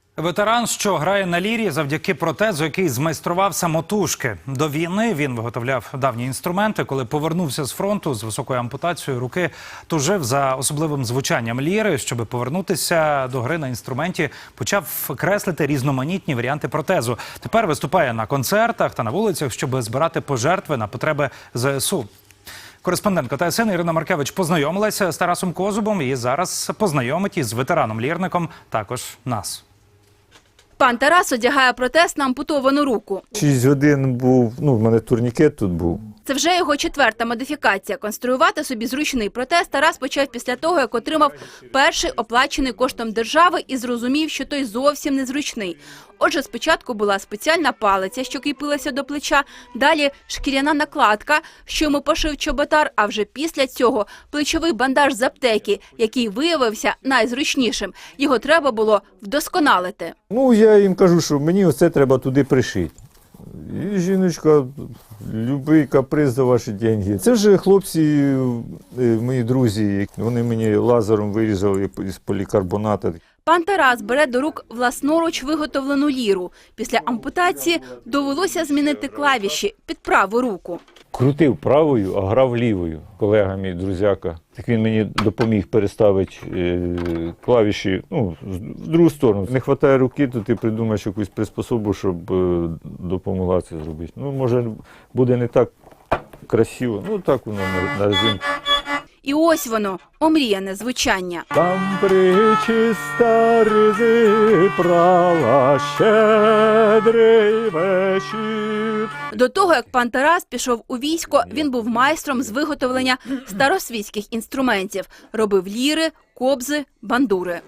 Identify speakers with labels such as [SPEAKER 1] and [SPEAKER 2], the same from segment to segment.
[SPEAKER 1] Ветеран, що грає на лірі завдяки протезу, який змайстрував самотужки. До війни він виготовляв давні інструменти. Коли повернувся з фронту з високою ампутацією руки, тужив за особливим звучанням ліри. Щоб повернутися до гри на інструменті, почав креслити різноманітні варіанти протезу. Тепер виступає на концертах та на вулицях, щоб збирати пожертви на потреби ЗСУ. Кореспондентка ТСН Ірина Маркевич познайомилася з Тарасом Козубом і зараз познайомить із ветераном-лірником також нас.
[SPEAKER 2] Пан Тарас одягає протез на ампутовану руку.
[SPEAKER 3] 6 годин був, в мене турнікет тут був.
[SPEAKER 2] Це вже його 4-та модифікація. Конструювати собі зручний протез Тарас почав після того, як отримав перший оплачений коштом держави і зрозумів, що той зовсім незручний. Отже, спочатку була спеціальна палиця, що кріпилася до плеча, далі шкіряна накладка, що йому пошив чоботар, а вже після цього плечовий бандаж з аптеки, який виявився найзручнішим. Його треба було вдосконалити.
[SPEAKER 3] Я їм кажу, що мені оце треба туди пришити. І жіночка, любий каприз за ваші гроші. Це вже хлопці, мої друзі, вони мені лазером вирізали із полікарбоната.
[SPEAKER 2] Пан Тарас бере до рук власноруч виготовлену ліру. Після ампутації довелося змінити клавіші під праву руку.
[SPEAKER 3] Крутив правою, а грав лівою. Колега мій, друзяка. Так він мені допоміг переставити клавіші в другу сторону. Не вистачає руки, то ти придумаєш якусь приспособу, щоб допомогла це зробити. Може, буде не так красиво, так воно на резинку.
[SPEAKER 2] І ось воно, омріяне звучання.
[SPEAKER 3] Там причиста ризи прала щедрий вечір.
[SPEAKER 2] До того, як пан Тарас пішов у військо, він був майстром з виготовлення старосвітських інструментів. Робив ліри, кобзи, бандури.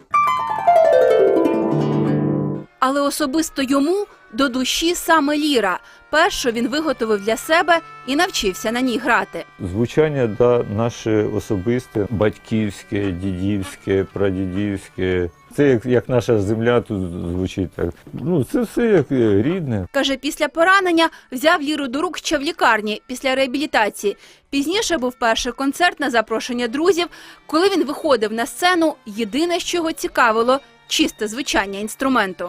[SPEAKER 2] Але особисто йому до душі саме ліра. Першу він виготовив для себе і навчився на ній грати.
[SPEAKER 3] Звучання наше особисте, батьківське, дідівське, прадідівське. Це як наша земля тут звучить. Так. Це все як рідне.
[SPEAKER 2] Каже, після поранення взяв ліру до рук ще в лікарні після реабілітації. Пізніше був перший концерт на запрошення друзів. Коли він виходив на сцену, єдине, що його цікавило – чисте звучання інструменту.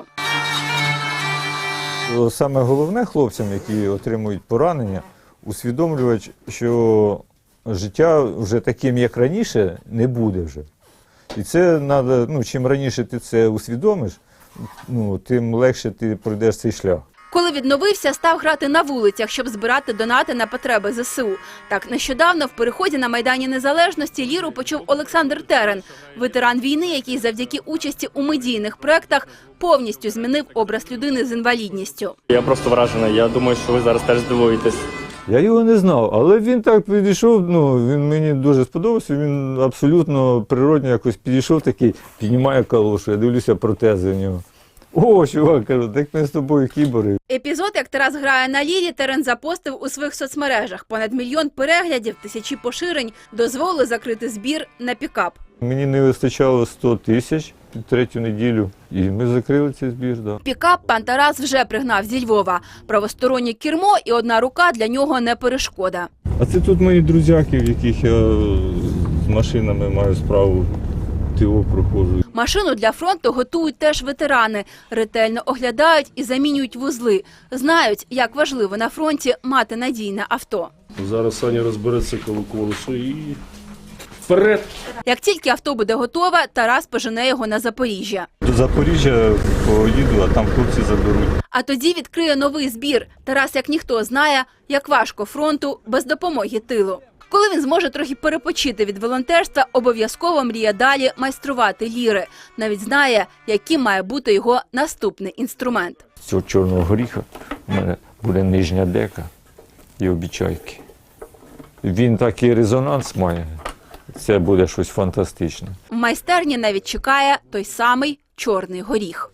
[SPEAKER 3] Саме головне хлопцям, які отримують поранення, усвідомлювати, що життя вже таким, як раніше, не буде вже. І це треба, чим раніше ти це усвідомиш, тим легше ти пройдеш цей шлях.
[SPEAKER 2] Коли відновився, став грати на вулицях, щоб збирати донати на потреби ЗСУ. Так, нещодавно в переході на Майдані Незалежності ліру почув Олександр Терен, ветеран війни, який завдяки участі у медійних проєктах повністю змінив образ людини з інвалідністю.
[SPEAKER 4] Я просто вражений, я думаю, що ви зараз теж здивуєтесь.
[SPEAKER 3] Я його не знав, але він так підійшов, він мені дуже сподобався, він абсолютно природно якось підійшов такий, піднімає калошу, я дивлюся протези в нього. О, чувак, кажу, так ми з тобою кібори.
[SPEAKER 2] Епізод, як Тарас грає на лірі, Терен запостив у своїх соцмережах. Понад 1 мільйон переглядів, тисячі поширень дозволили закрити збір на пікап.
[SPEAKER 3] Мені не вистачало 100 тисяч третю неділю, і ми закрили цей збір. Да.
[SPEAKER 2] Пікап пан Тарас вже пригнав зі Львова. Правостороннє кермо і одна рука для нього не перешкода.
[SPEAKER 3] А це тут мої друзяки, в яких я з машинами маю справу. ТО проходжу.
[SPEAKER 2] Машину для фронту готують теж ветерани. Ретельно оглядають і замінюють вузли. Знають, як важливо на фронті мати надійне авто.
[SPEAKER 5] Зараз Саня розбереться колесо і вперед!
[SPEAKER 2] Як тільки авто буде готове, Тарас пожене його на Запоріжжя.
[SPEAKER 3] До Запоріжжя поїду, а там хлопці заберуть.
[SPEAKER 2] А тоді відкриє новий збір. Тарас, як ніхто, знає, як важко фронту без допомоги тилу. Коли він зможе трохи перепочити від волонтерства, обов'язково мріє далі майструвати ліри. Навіть знає, яким має бути його наступний інструмент.
[SPEAKER 3] З цього чорного горіха у мене буде нижня дека і обічайки. Він такий резонанс має. Це буде щось фантастичне.
[SPEAKER 2] В майстерні навіть чекає той самий чорний горіх.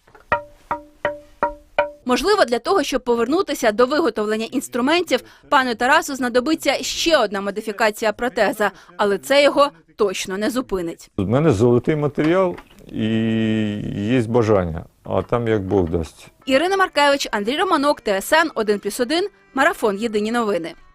[SPEAKER 2] Можливо, для того, щоб повернутися до виготовлення інструментів, пану Тарасу знадобиться ще одна модифікація протеза, але це його точно не зупинить.
[SPEAKER 3] У мене золотий матеріал і є бажання, а там як Бог дасть.
[SPEAKER 2] Ірина Маркевич, Андрій Романок, ТСН 1+1, Марафон. Єдині новини.